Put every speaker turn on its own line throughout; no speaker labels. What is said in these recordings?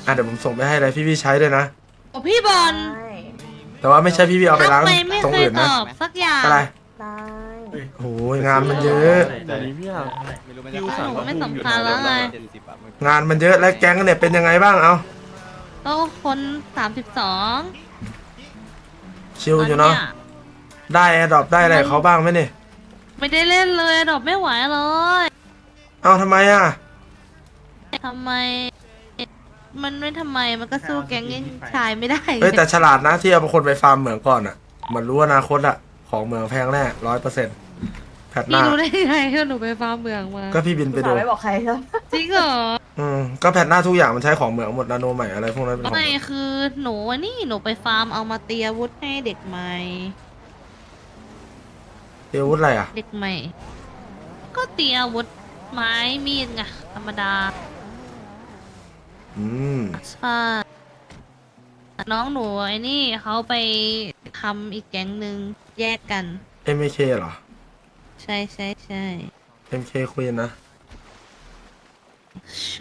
เดี๋ยวผมส่งไปให้เลยพี่ใช้ด้วยนะ
โอ้พี่บอล
ได้
แต่ว่าไม่ใช่พี่เอาไปล้าง
ทำไมไม่
ตรง
เคย
อื่น
ต
นะ
อบสักอย่าง
อะไร
ได้
โอ้ยงานมันเยอะ
แต่นี้พี่อะพี่อุตส่าห์
หนูไม่สำคัญแล้วไง
งานมันเยอะและแก๊งเนี่ยเป็นยังไงบ้างเอา
ก็คน32
ชิลอยู่เนาะได้แอร์ดรอปได้อะไรเขาบ้างไหมเนี่ย
ไม่ได้เล่นเลยดอกไม่ไหวเลย
เอาทำไมอ่ะ
ทำไม มันไม่ทำไมมันก็สู้แก๊งยังชายไม่ได้
เฮ้ยแต่ฉลาดนะที่เอาคนไปฟาร์มเหมืองก่อนอ่ะมันรู้อนาคตอ่ะของเหมืองแพงแน่100%แพทห
พี่
น้า
รู้ได้ไงว่าหนูไปฟาร์มเมืองมา
ก็พี่บินไป
อุต
ดู
ส่าห์ไม่บอกใครครับ
จริงเหรอ
ก็แพทหน้าทุกอย่างมันใช้ของเหมืองหมดนาโนใหม่อะไรพวกนั้นเป็นของเห
ไม่
มือง
คือหนูอะนี่หนูไปฟาร์มเอามาเตรียมอาวุธให้เด็กใหม่
เอวุธอะไรอ่ะ
เด็กใหม่ ก็เตรียมอาวุธไม้มีดไงธรรมดา
อืม
ใช่น้องหนูไอ้นี่เขาไปทำอีกแก๊งหนึ่งแยกกัน
MK เหรอ
ใช่ใช่ใช่
MK Queen นะ
ใช่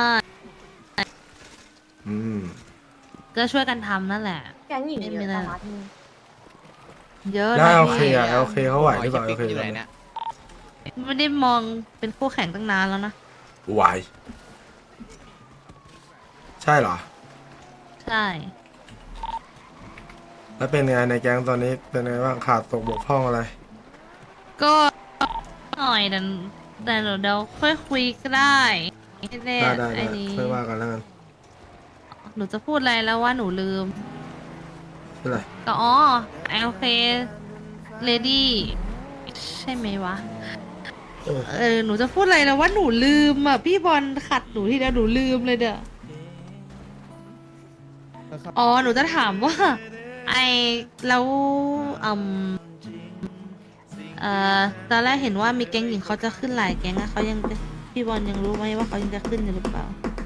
อืม
ก็ช่วยกันทำนั่นแหละ
แก๊งหญิงเยอะจังวะที่นี่
เยอะ
แล้ว
นะ
โอเค
พี่
อ่ะโอเคเขาไหวหรือเปล่าโอเค
อยู่ไหนเนี่ย
ไม่ได้มองเป็นคู่แข่งตั้งนานแล้วนะ
ไหวใช่เหรอ
ใช่
แล้วเป็นไงในแก๊งตอนนี้เป็นไงบ้างขาดตกบกพร่องอะไร
ก็หน่อยแต่เดี๋ยวค่อยคุยก็ได้ไม่ได้
ได้
ไอ้นี้
ค่อยว่ากันแล้วกัน
หนูจะพูดอะไรแล้วว่าหนูลืม
เป็นไร
ก็โอเคเลดี้ใช่ไหมวะ หนูจะพูดอะไรแล้วว่าหนูลืมอ่ะ พี่บอลขัดหนูทีเดียวหนูลืมเลยเด้อหนูจะถามว่า ไอแล้วตอนแรกเห็นว่ามีแก๊งหญิงเขาจะขึ้นหลายแก๊งอะเขายังพี่บอลยังรู้ไหมว่าเขายังจะขึ้นอยู่หรือเปล่า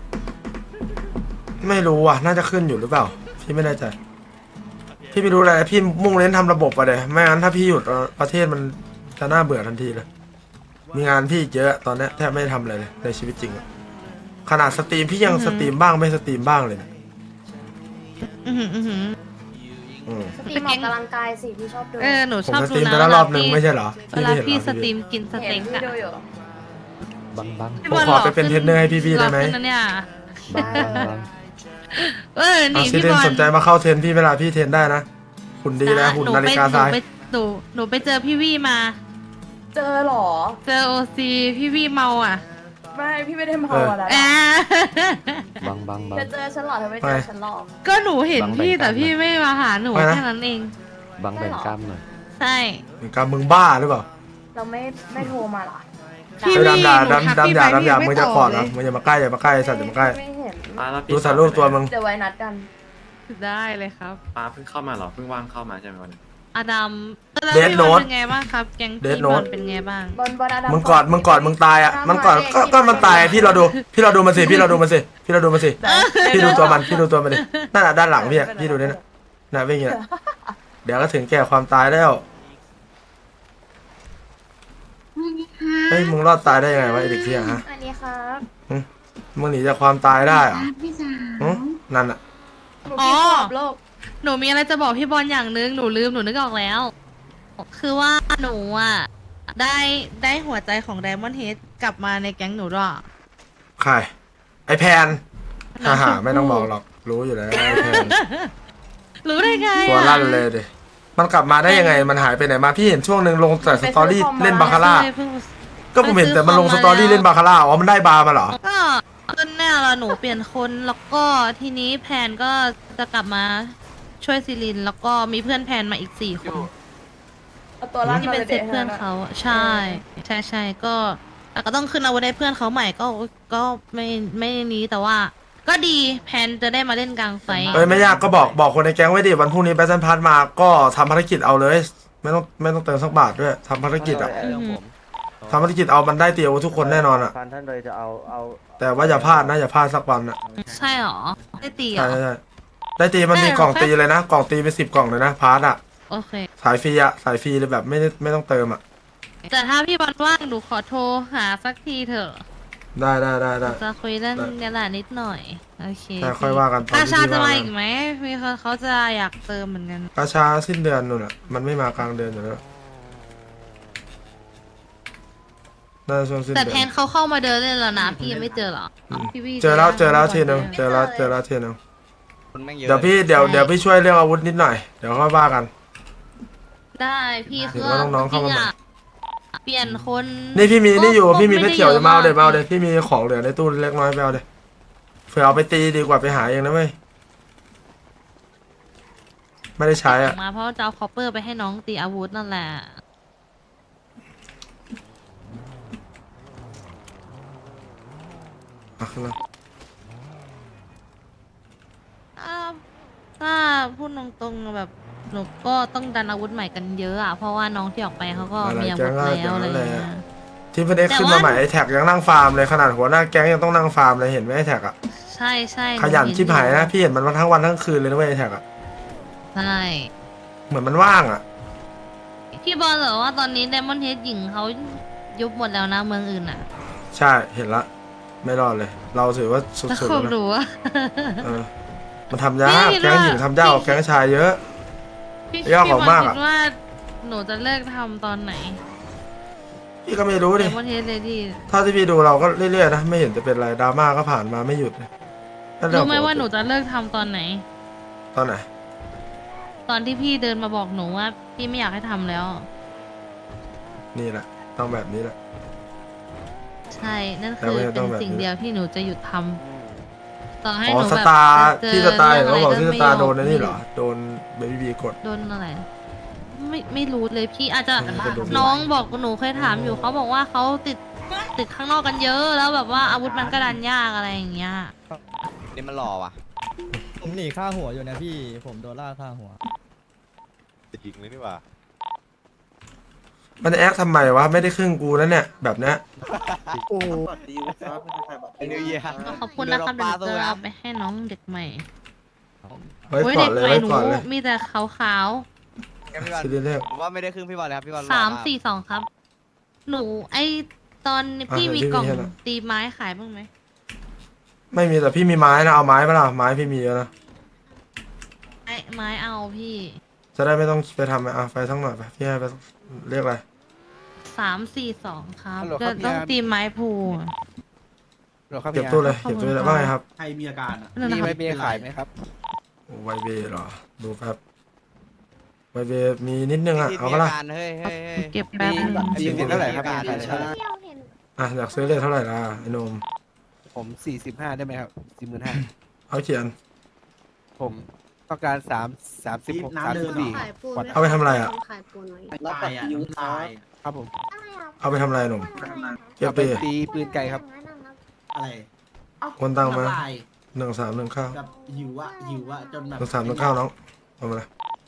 ไม่รู้อ่ะน่าจะขึ้นอยู่หรือเปล่าพี่ไม่แน่ใจพี่ไม่รู้อะไรพี่มุ่งเน้นทำระบบอะเดยไม่งั้นถ้าพี่หยุดประเทศมันจะน่าเบื่อทันทีเลยมีงานพี่เยอะตอนนี้แทบไม่ได้ทำอะไรเลยในชีวิตจริงอะขนาดสตรีมพี่ยังสตรีมบ้างไม่สตรีมบ้างเลยนะ
อือหืออือหือ
สตรีมออกกำลังกายสิพี่ชอบดู
หนู
ผม
ชอบ
ส
ดู
ตรีม
นะ
ไปแล้วรอบนึงไม่ใช่เหรอ
เวลา
ไม่เห็น
พี่
เหรอ
สตรีมกินส
เห็
เต็
น
ก
พี่
อะ
ดูอยู่
บัง
พี่
ผม
บอล
ขอ
หล่
ไปเป็นเทรนเนอร์ให้พี่ๆได้ไหม
หล่อขึ้นนะเนี่ย
ได้
นี่
ซิ
พี่
เด
บ
น
อล
สนใจมาเข้าเทรนพี่เวลาพี่เทรนได้นะหุ่นดีนะหุ่นนาฬิกาทราย
หนูไปเจอพี่วี่มา
เจอเหรอ
เจอโอซีพี่วี่เมาอ่ะ
ไม่พี่ไม่ได้เมาอะไร
แอะ
บัง
เธอเจอฉันหรอเธอไม่เจอฉันหรอก
ก็หนูเห็นพี่แต่พี่ไม่มาหาหนูแค่นั้นเอง
บังแบ่งกล้ามหน่อย
ใช่
กับมึงบ้าหรือเปล่า
เราไม่โทรมาเหรอ
พี่
เฮ้ย
วี่
ดำ
หนูทักพี่ไป
ดำ
พี่
อย่า
ไม่
มึง
ต
จะ
อบ
ขอด
เล
นะ
ย
มึงอย่ามาใกล้อย่ามาใกล้สัตว์อย่ามาใกล้
ไม่เห็น
ดูสารรูปตัวมึง
เดี๋ยวไว้นัดกัน
ได้เลยครับ
ป้าเพิ่งเข้ามาเหรอ เพิ่งว่างเข้ามาใช่ไหมวันนี้
อดัมแล้ว
Death
พี่บอล
Note
เป็นไงบ้างครับ แก๊ง
Death
พี่บอล
Note
เป็นไงบ้าง
บอลอาดัม
มึงกอดมึงตายอ่ะมันกอดก็มันตายพี่เราดูมันสิพี่เราดูมันสิพี่ดูตัวมันดินั่นน่ะด้านหลังพี่อ่ะพี่ดูนี่น่ะวิ่งอย่างนี้เดี๋ยวก็ถึงแก่ความตายแล้วเฮ้ยมึงรอดตายได้ยังไงวะไอ้เด็กเที่ยฮะ
อันนี้ครับ
มึงหนีจากความตายได้เหรอ
พี่สาว
นั่นอ่ะ
หนูพี่ขอบโลก
หนูมีอะไรจะบอกพี่บอลอย่างนึงหนูลืมหนูนึกออกแล้ว คือว่าหนูอ่ะได้หัวใจของไดมอนด์เฮดกลับมาในแก๊งหนูด้วย
ใครไอแพนไม่ต้องบอกหรอกรู้อยู่แล้วไอแพน
รู้ได้ไง
ตัว
อะ
ลั่นเลยดิมันกลับมาได้ยังไงมันหายไปไหนมาพี่เห็นช่วงหนึ่งลงแต่สตอรี่เล่นบาคาร่า ก็ผมเห็นแต่มันลงสตอรี่เล่นบาคาร่าอ๋อมันได้บาร์มาเหรอ
ก็คือเนี่ยเราหนูเปลี่ยนคนแล้วก็ทีนี้แพนก็จะกลับมาช่วยซิลิน แล้วก็มีเพื่อนแพนมาอีก4 คน
เอาตัวลั่น
ที่
มา
เป็น
เลย
เซตเพื่อนเขาอะใช่ก็แต่ก็ต้องขึ้นอาวุธให้เพื่อนเขาใหม่ก็ไม่นี้แต่ว่า ก็ดีแพนจะได้มาเล่นกลางไฟ
เอ้ยไม่ยากก็บอกคนในแก๊งไว้ดิวันพรุ่งนี้แบทเทิลพาร์ทมาก็ทำภารกิจเอาเลย ไม่ต้องเติมสักบาทด้วยทำภารกิจอ่ะทำภารกิจเอามันได้เตียวทุกคนแน่นอนอ่ะ
พันท่านเลยจะเอา
แต่ว่าอย่าพลาดนะอย่าพลาดสักวันอ่ะ
ใช่หรอได้ตีเหร
ใช่
อ
ใช่ได้ตีมันมีกล่องตีเลยนะกล่องตีเป็น10 กล่องเลยนะพาร์ทอ่ะ
โอเค
สายฟรีอ่ะสายฟรีเลยแบบไม่ต้องเติมอ่ะ
แต่ถ้าพี่บอลว่างหนูขอโทรหาสักทีเถอะ
ได้
จะคุยเรื่องนี้แหละนิดหน่อยโอเค
แต่ค่อยว่ากันตอน
กา
ที่
ชา
พี่
จะ
ว่า
มา
กั
อี
น
กไหมมีคนเขาจะอยากเติมเหมือนกัน
กาชาสิ้นเดือนนู่นอ่ะมันไม่มากลางเดือนอยู่แล้วน่าจะช่วงสิ้น
แต่
เดื
แท
อน
นเขาเข้ามาเดินเล่นแล้วนะพี่ยังไม่เจอเหรอพี่วี่
เจอแล้วทีนึง
ไม่
เจ
เจ
อ
อ
แล้วทีนึง
คนแม่งเยอะ
เดี๋ยวพี่เดี๋ยวพี่ช่วยเรื่องอาวุธนิดหน่อยเดี๋ยวค่อยว่ากัน
ได้พี่
เห็
คื
น
อ
ว่าน้องๆเข้ามาใหม่
เปลี่ยนคน
นี่พี่มีนี่อยู่พี่มีเพชรเขียวจะมาเอา
ไ
เลยพี่มีของเหลือในตู้เล็กน้อยไปเอาเลยเผื่อเอาไปตีดีกว่าไปหาเองนะเว้ยไม่ได้ใช้อ่ะ
มาเพราะจะเอาคอปเปอร์ไปให้น้องตีอาวุธนั่นแหละ
อ่ะขึ้นมา
ถ้าพูดตรงๆแบบหนูก็ต้องดันอาวุธใหม่กันเยอะอ่ะเพราะว่าน้องที่ออกไปเขาก็มีอาวุธแล้วอะไรอย่างเงี้ย
ที่เพื่อนเอ็กซ์ขึ้นมาใหม่ไอแท็กยังนั่งฟาร์มเลยขนาดหัวหน้าแก๊งยังต้องนั่งฟาร์มเลยเห็นไหมไอแท็กอ่ะ
ใช่ใช่
ขยันชิบหายนะพี่เห็นมันมาทั้งวันทั้งคืนเลยนะเว้ยไอแท็กอ่ะ
ใช่
เหมือนมันว่างอ่ะ
พี่บอลเหรอว่าตอนนี้ไดมอนเฮดหญิงเขายุบหมดแล้วนะเมืองอื่นอ่ะ
ใช่เห็นละไม่รอดเลย เราถือว่าสุ
แล้ว
ดๆ
คุ
แล้ว
ณ
นะ
รู้ว่า
เออมันทำยากแก๊งหญิงทำยากกว่าแก๊งชายเยอะ
พี่
ยากกว่า
บอล
มาก
คิ
อะ
ดว่าหนูจะเลิกทำตอนไหน
พี่ก็ไม่รู้
ได
ดิ
มอนเฮดเลยดิ
ถ้าที่พี่ดูเราก็เรื่อยๆนะไม่เห็นจะเป็นไรดราม่าก็ผ่านมาไม่หยุดเลยนั่นเอง
รู้ไหม
ปกติ
ว่าหนูจะเลิกทำตอนไหน
ตอนไหน
ตอนที่พี่เดินมาบอกหนูว่าพี่ไม่อยากให้ทำแล้ว
นี่แหละต้องแบบนี้แหละ
ใช่นั่น
แต่
คือ
ว่าจะต้
เป็
อง
น
แบบ
สิ่ง
นี้
เดียวที่หนูจะหยุดทำต่อให้
อ๋
ห
อ
นู
ส
แบบ
ตาร์
จะ
ที่สตาร์
เจ
เห็นเขาบอกที่สตาร์
ะไ
โดนไอ้นี่เหรอโดนเบบี้บีกด
โดนอะไรไม่รู้เลยพี่อาจจะ
มันจะโดน
น้องบอกหนูเคยถามอยู่เขาบอกว่าเขาติดข้างนอกกันเยอะแล้วแบบว่าอาวุธมันก็ดันยากอะไรอย่างเงี้ย
นี่มันหล่อว่ะ
ผมหนีค่าหัวอยู่นะพี่ ผมโดนล่าค่าหัว
จะยิงเลยนี่หว่า
มันจะแอคทำไมวะไม่ได้ครึ่งกูแล้วเนี่ยแบบเนี้ย
ไอ้นิวเยียร์
ขอบคุณนะครับเดี๋ยวหนูจะเอาไปให้น้องเด็กใหม่
ไว้
โอ้ย
ก่อ
เด็
น
ก
เลย
ใหม่
ไว้
หนู
ก่อนเลย
มีแต่ขาว
พี่บอล
ซีรีส์แรก
ผมว่าไม่ได้ครึ่งพี่บอลเลยครับพี่บอลหล่อ
ๆ
มาก
342ครับ หนูไอตอนพี่มีกล่องตีไม้ขายบ้างไหม
ไม่มีแต่พี่มีไม้นะเอาไม้ปะล่ะไม้พี่มีเยอะนะ
ไม้เอาพี่
จะได้ไม่ต้องไปทำไปทั้งหน่อยไปพี่ให้ไปเรียกอะไร
342ครับจะต้องตีไม้พูอะ
เก็บตู้เลยเก็บตู้เลยว่าไงครับ
ใครมีอาการอ่ะ
นั่นนะ
มี
ค
ไหม
รับ
มีขายไหมครับ
ไวเบเหรอดูครับไวเบมีนิดนึงอ่ะ
มี
เอาก็ละ
รเฮ้ยเฮ้ยเฮ้ย
เก็บแป๊บนึง
มีเท่าไหร่ครับมีเท่าไหร่
อยากซื้อเลขเท่าไหร่ล่ะไอ้หนม
ผม45ได้ไหมครับ45,000
เอาเขียน
ผมต้องการ36
น้ำเดิน
34
เอาไปทำอะไรอ่ะ
รับปัดยิ้วตาย
ครับผม
เอาไปทำอะไรหนุ่มเก็บ
เอาไป
ปี
ตีปืนไก่ครับ
อะไร
คนตังมา
น้ำลาย
1319
กับหิวอะจนแบบ
1319น้องเอามาเลย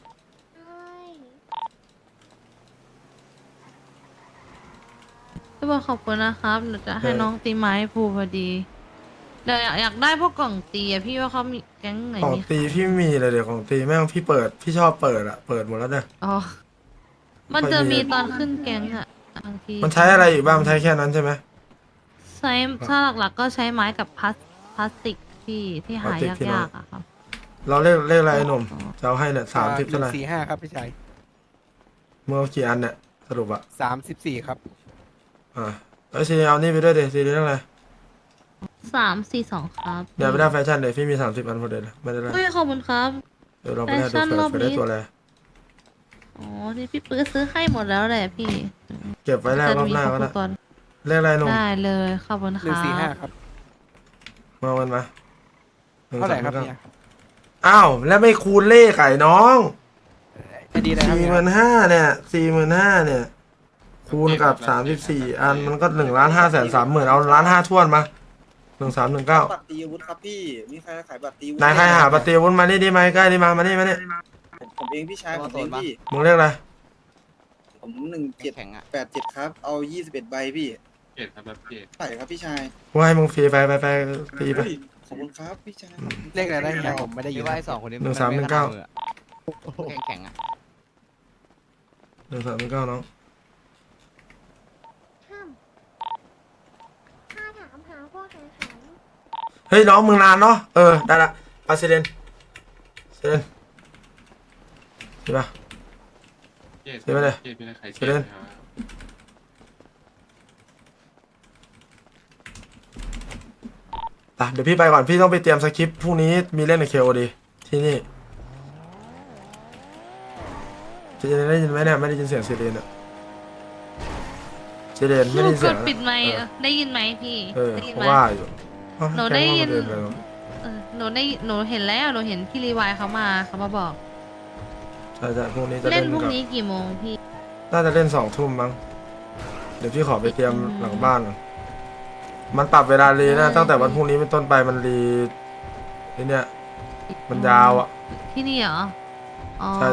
พี่บอลขอบคุณนะครับหนูจะให้น้องตีไม้พูพอดีเดี๋ยวอยากได้พวกกล่องตีอะพี่ว่าเขามีแก๊งไหน
ของ
มี
ตีพี่ไม่มีเลยเดี๋ยวของตีแม่งพี่เปิดพี่ชอบเปิดอ่ะเปิดหมดแล้วเนี่ย
อ๋อมันจะมีตอนขึ้นแก๊งอะบางที
มันใช้อะไรอีกบ้างมันใช้แค่นั้นใช่ไหม
ใช้ถ้าหลักๆก็ใช้ไม้กับพลาสติกพี่ที่หายากๆอะครับ
เราเลขอะไรไอ้หนุ่มจะเอาให้เนี่ย30เท่าไหร่
145ครับพี่ชาย
เมื่อกี่อันเนี่ยสรุปอ่ะ
34ครับ
แล้วซีเอานี่ไปด้วยเดี๋ยวซีเรื่องอะไร
342ครับ
เดี๋ยวไม่ได้แฟชั่นเดี๋ยวพี่มี30อันพอดีเลยไม่ได้เลย
เฮ้ยขอบคุณครับ
เดี๋ยวเราไปได้
แฟชั่
ดู
นรอบ
เผื่อได้
นี้
ตัวอะไร
อ๋อที่พี่ปื้อซื้อให้หมดแล้วแหละพี่
เก็บไว้แรกรอบหน้าก็ได้
ก่อน
เลขอะไรหนุ่ม
ได้เลยขอบคุณครับ
145ครับ
มาวันมา
เท่าไหร่ครับเนี่ย
อ้าวแล้วไม่คูณเลขไก่น้อง
ไอดีอะไรครับ
45,000เนี่ย45,000เนี่ย คูณกับ34อันมันก็1,530,000เอา1,500,000ท้วนมา1319
บัตรตีอาวุธครับพี่ มีใครขายบัตรตีอาวุธ
นายใครหาปฏิวุฒิมานี่ดิมาใกล้ดิมานี่มานี่
ผมเองพี่ชายผมเองพี่
มึงเรียกอะไร
ผม1787ครับ เอา21ใบพี่
เกตครับแบบเกต
ใส่ครับพี่ชาย
กูให้มึงฟรีไปฟรีไป
เฮ้ยขอบคุณครับพี่ชาย
เลขอะไรได้เนี่ยผมไม่ได้ยิ
พี่
น
ว่าไอ้สองคนนี้ แข็งๆอ่ะ
1319น้อง
ถ้าถามหา
เฮ้ยน้องมึงนานเนาะได้ละไปเซเลนใช่ปะ เสียไปเลยเสียเลย เดี๋ยวพี่ไปก่อนพี่ต้องไปเตรียมสคริปต์พรุ่งนี้มีเล่นในเคโอดีที่นี่จะได้ยินไหมเนี่ยไม่ได้ยินเสียงซีเรนอะซีเรน
ห
ไม่
นู
ได้ยิน
ก
เสีย
ด
ง
ปิดไมค์ได้ยินไหมพี่ ได้ยิน
เพ
ไหม
ราะว่าอยู่
หนูได้ยิน
แค่ว่ามัเดิปแล้ว
หนูเห็นแล้วหนูเห็นพี่รีวายเขามาบอก
ใช่พรุ่งนี้จะ
เล่
เล่
น
น
พรุ่ง
ก่อน
นี้กี่โมงพี่
น่าจะเล่น2 ทุ่มมั้งเดี๋ยวพี่ขอไปเตรียมหลังบ้านก่อนมันปรับเวลารีนะตั้งแต่วันพรุ่งนี้เป็นต้นไปมันรีไอเนี่ยมันยาวอ่ะ
ที่นี่เหรออ๋อ
ใช่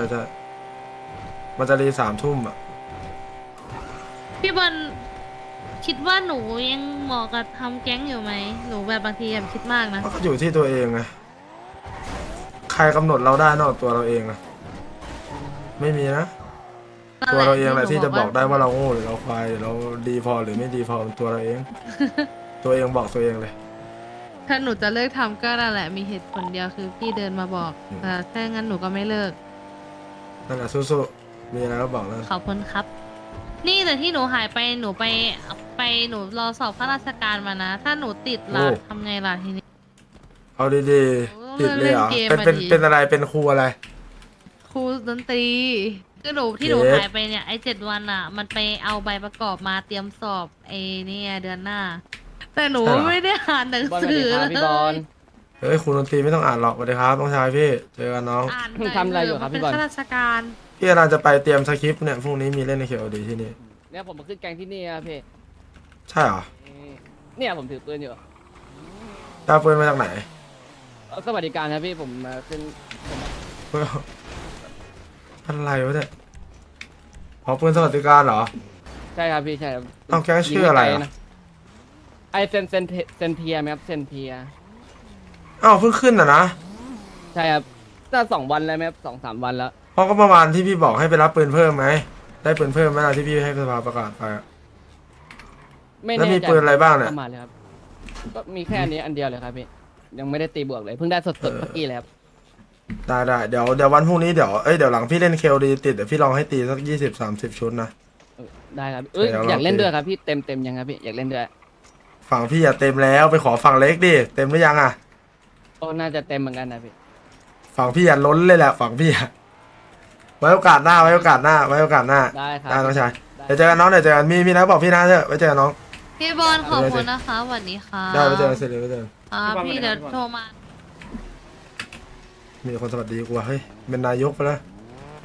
มันจะรี3 ทุ่มอ่ะ
พี่บอลคิดว่าหนูยังเหมาะกับทำแก๊งอยู่ไหมหนูแบบบางทีแบบคิดมากนะ
มันก็อยู่ที่ตัวเองไงใครกำหนดเราได้นอกจากตัวเราเองอะไม่มีนะตัวเราเองแหละที่จะบอกได้ว่าเราโง่หรือเราควายหรือเราดีพอหรือไม่ดีพอเป็นตัวเราเอง ตัวเองบอกตัวเองเลย
ถ้าหนูจะเลิกทำก็นั่นแหละมีเหตุผลเดียวคือพี่เดินมาบอกแต่ถ้างั้นหนูก็ไม่เลิก
นั่นแหละสู้ๆมีอะไรก็บอกแล้ว
ขอบคุณครับ นี่แต่ที่หนูหายไปหนูไปหนูรอสอบข้าราชการมานะ ถ้าหนูติดล่ะทำไงล่ะทีนี้
เอาดีๆติดเลยเหรอ
เล่นเกม
เป็น
มาดิ
เป็นอะไรเป็นครูอะไร
ครูดนตรีคือหนูที่หนู
เย็ด
หายไปเนี่ยไอ้7 วันอ่ะ มันไปเอาใบประกอบมาเตรียมสอบไอ้เนี่ยเดือนหน้า แต่หนูไม่ได้อ่านหนังสือเลย
เฮ้ยครูดนตรีไม่ต้องอ่านหรอกสวัสดีครับน้องชายพี่เจอกันน้อง
อ่านทำอะไรอยู่ครับพี่บอลเป็นข้าราชการ
พี่กำลังจะไปเตรียมสคริปต์เนี่ยพรุ่งนี้มีเล่นในเคโอดีที่นี่
เนี่ยผมมาขึ้นแกงที่นี่ครับพี่
ใช่เหรอ
เนี่ยผมถือปืนอยู่
ตาปืนมาจากไหน
สวัสดิการครับพี่ผมมาขึ้น
เฮ้ยอะไรวะเนี่ยอ๋อปืนสวัสดิการเหรอ
ใช่ครับพี่ใช่ครับ
เอาแก๊งชื่ออะไรอะ
ไอเซนเทียไหมครับเซนเทีย
อ้าวเพิ่งขึ้นอ่ะนะ
ใช่ครับน่า2 วันแล้วไหมครับ2-3 วันแล้ว
เพราะก็ประมาณที่พี่บอกให้ไปรับปืนเพิ่มไหมได้ปืนเพิ่มไหมล่ะที่พี่ให้สภาประกาศไปอะ
ไม่
แล้ว
แน่
มี
ใจ
ปืนอะไรบ้างเนี่ย
ประมาณเลยครับก็มีแค่อันนี้อันเดียวเลยครับพี่ยังไม่ได้ตีบวกเลยเพิ่งได้สดๆเมื่อกี้เลยครับ
ได้เดี๋ยววันพรุ่งนี้เดี๋ยวหลังพี่เล่นเคลดีติดเดี๋ยวพี่ลองให้ตีสัก20-30 ชุดนะ
ได้ครับเอ้ย
เดี๋ยวเรา
อยากเล่นด้วยครับพี่เต็มยังครับพี่อยากเล่นด้วย
ฝั่งพี่อะเต็มแล้วไปขอฝั่งเล็กดิเต็มหรือยังอะ
โอ้น่าจะเต็มเหมือนกันนะพี่
ฝั่งพี่อะล้นเลยแหละฝั่งพี่อะไว้โอกาสหน้า
ได้ครับ
ได้น้องชายเดี๋ยวเจอกันน้องเดี๋ยวเจอกันมีนะบอกพี่นะเถอะไว้เจอกันน้อง
พี่บอลขอบคุณนะคะสวัสดีค่ะ
ได้ไว้เจอกันเสร็จเลยไว้เจอกัน
พี่เดี๋ยวโทรมา
มีคนสวัสดีกูว่ะเฮ้ยเป็นนายกไปแล้ว